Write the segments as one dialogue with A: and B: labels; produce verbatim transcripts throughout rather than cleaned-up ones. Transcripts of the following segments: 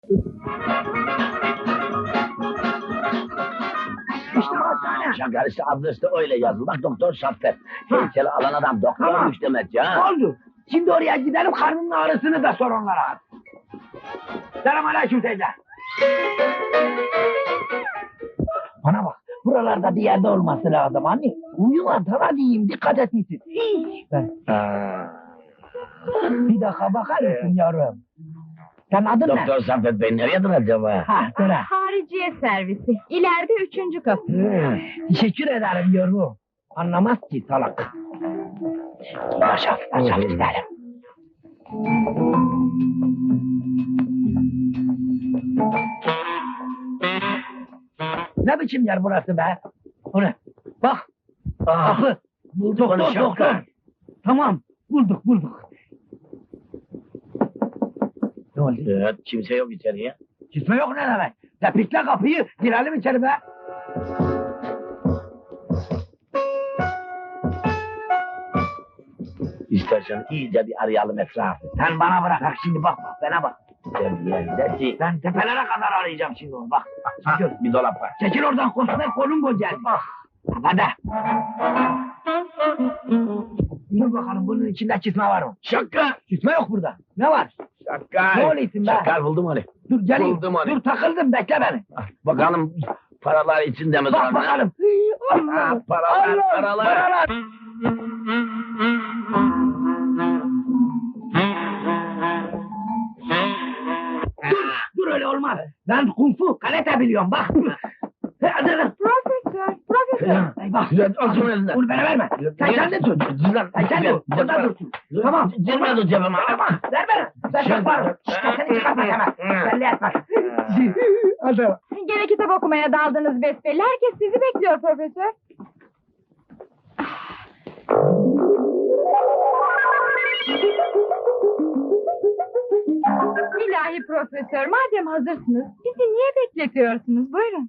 A: İşte bu hastane.
B: Şakar işte adresi de öyle yazılı. Bak doktor Şafter. Heykeli alan adam doktormuş
A: Tamam.
B: demek ya.
A: Oldu. Şimdi oraya gidelim, karnının ağrısını da sor onlara. Selamünaleyküm teyze. Bana bak, buralarda bir yerde olması lazım anne. Uyuma, sana diyeyim, dikkat et misin? Ben. Bir dakika bakar mısın yavrum? Sen adın ne?
B: Doktor Şafter Bey nerededir acaba?
A: Ha, söyle.
C: Hariciye servisi. İleride üçüncü kapı.
A: Hı, teşekkür ederim yavrum. Anlamaz ki salak. Yaşa, yaşa gidelim. Ne biçim yer burası be? O ne? Bak, kapı. Doktor,
B: onu Şapka.
A: doktor. Tamam, bulduk, bulduk. Ne oldu?
B: Evet, kimse yok içeriye.
A: Gitme yok ne demek? Tepikle kapıyı, girelim içeri be.
B: İstersen iyice bir arayalım etrafı.
A: Sen bana bırak, bak şimdi bak, bak bana bak.
B: Gel gel gel.
A: Ben tepelere kadar arayacağım şimdi onu, bak.
B: Ha, bir dolap var.
A: Çekil oradan, koşma kolun gocel. Bak. Hadi. Dur bakalım, bunun içinde çizme var mı?
B: Şaka.
A: Çizme yok burada. Ne var?
B: Şaka.
A: Ne oluyorsun be?
B: Şaka buldum onu.
A: Dur geleyim.
B: Buldum onu.
A: Dur takıldım, bekle beni.
B: Bakalım paralar içinde mi?
A: Bak
B: sonra?
A: bakalım.
B: Ha, paralar,
A: Allah,
B: paralar.
A: paralar. Dur, dur öyle olmaz. Ben kung fu, karate biliyorum bak. Hadi lan.
C: Profesör, profesör.
A: Ay bak.
B: Güzel, al şunu elinden.
A: Bunu bana verme. Sen kendin tut. Sen kendin tut. Burada dursun. Tamam.
B: Girme dur cebime.
A: Ama ver bana. Sen çıkarma. Sesini çıkarma hemen. Belli etmez. Hadi.
C: Gene kitap okumaya daldınız besbelli. Herkes sizi bekliyor profesör. İlahi profesör, madem hazırsınız, bizi niye bekletiyorsunuz? Buyurun.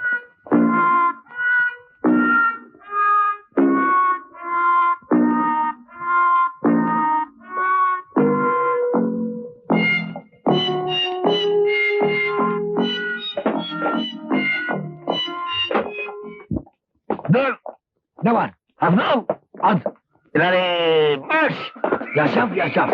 B: Dur.
A: Ne var?
B: Hazır. At. İleri marş.
A: Yaşam yaşam.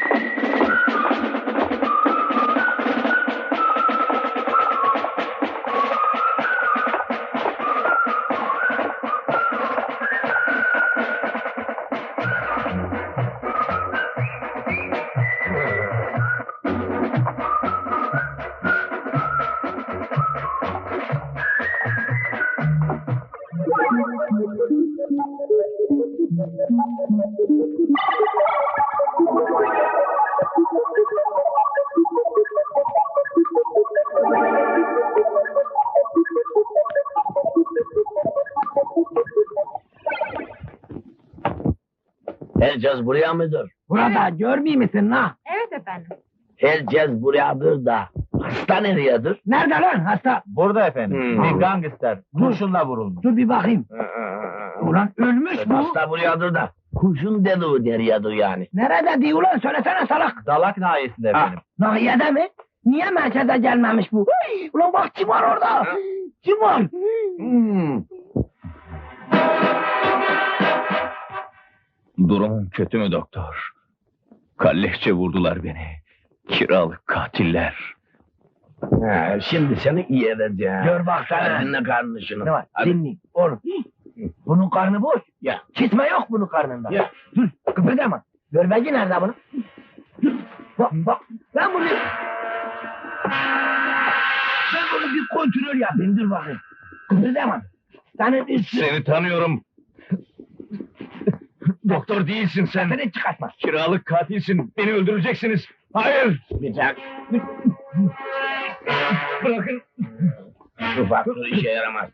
B: Herkes buraya mıdır?
A: Burada görmeyeyim misin la?
C: Evet efendim.
B: Herkes buradadır da. Hasta nereyedir?
A: Nerede lan hasta?
D: Burada efendim.
B: Hmm.
D: Bir gangster. Kurşunla vurulmuş.
A: Dur bir bakayım. Ulan ölmüş bu.
B: Hasta buradadır da. Kurşun deliği nereyedir yani?
A: Nerede diyor ulan, söylesene salak.
D: Dalak nahiyesinde efendim.
A: Nahiyede mi? Niye merkeze gelmemiş bu? Hıy! Ulan bak kim var orada? Kim var?
B: Hmm.
D: Durumum kötü mü doktor? Kalleşçe vurdular beni. Kiralık katiller.
B: Ha, şimdi seni iyi edeceğim.
A: Gör bak sana.
B: Dinle karnını şunu.
A: Ne var?
B: Hadi.
A: Dinle. Oğlum. Bunun karnı boş.
B: Ya.
A: Kitme yok bunun karnında.
B: Ya.
A: Dur kıpırdama. Görmeci nerede bunun? Dur. Bak bak. Ben bunu... Ben bunu bir kontrol yapayım. Dur bakayım. Kıpırdama. Senin üstün...
D: Seni tanıyorum. Doktor değilsin sen.
A: Seni çıkartma.
D: Kiralık katilsin. Beni öldüreceksiniz. Hayır.
B: Bir tak.
D: Bırakın.
B: Bu faktör işe yaramaz.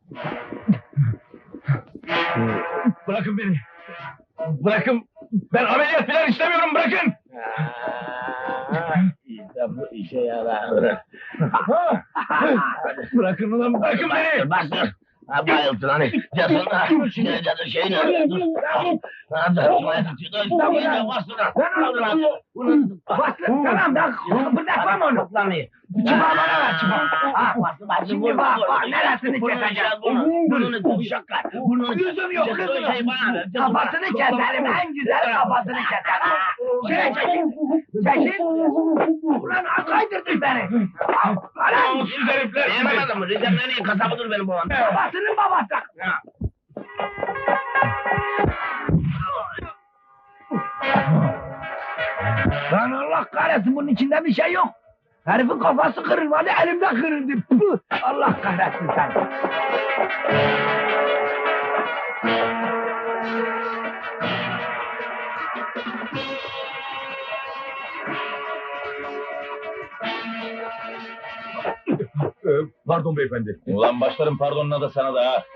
D: Bırakın beni. Bırakın. Ben ameliyat falan istemiyorum. Bırakın.
B: Ha, işte bu işe yarar.
D: Bırakın ulan. Bırakın beni.
B: Bak dur. Ha bayıldın hani. Cesur ha. Ne cadı şey ne? Dur. Ha da şuraya tutuyor. Dur. İyice bastır. Aldın ha. Bunu
A: Bastır tamam da bırakmam onu.
B: toplanmayı.
A: Çıpa bana ver çıpa. Ha,
B: bastır bastır.
A: şimdi bak bak neresini keseceğim.
B: Burnunu kuşaklar. Burnunu
A: Yüzüm yok
B: Cesur
A: kızım.
B: şey bana ver. Cesur.
A: Kafasını keserim en güzel kafasını keserim. Şuraya çekin. Çekin. Ulan kaydırdın beni. Ulan.
B: Namussuz herifler. Yememedim mi? Rize'nin en iyi kasabıdır benim babam.
A: Babasının babası. Lan Allah kahretsin bunun içinde bir şey yok. Herifin kafası kırılmadı elimde kırıldı. Puh! Allah kahretsin sen.
E: Pardon beyefendi.
D: Ulan başlarım pardonuna da sana da ha.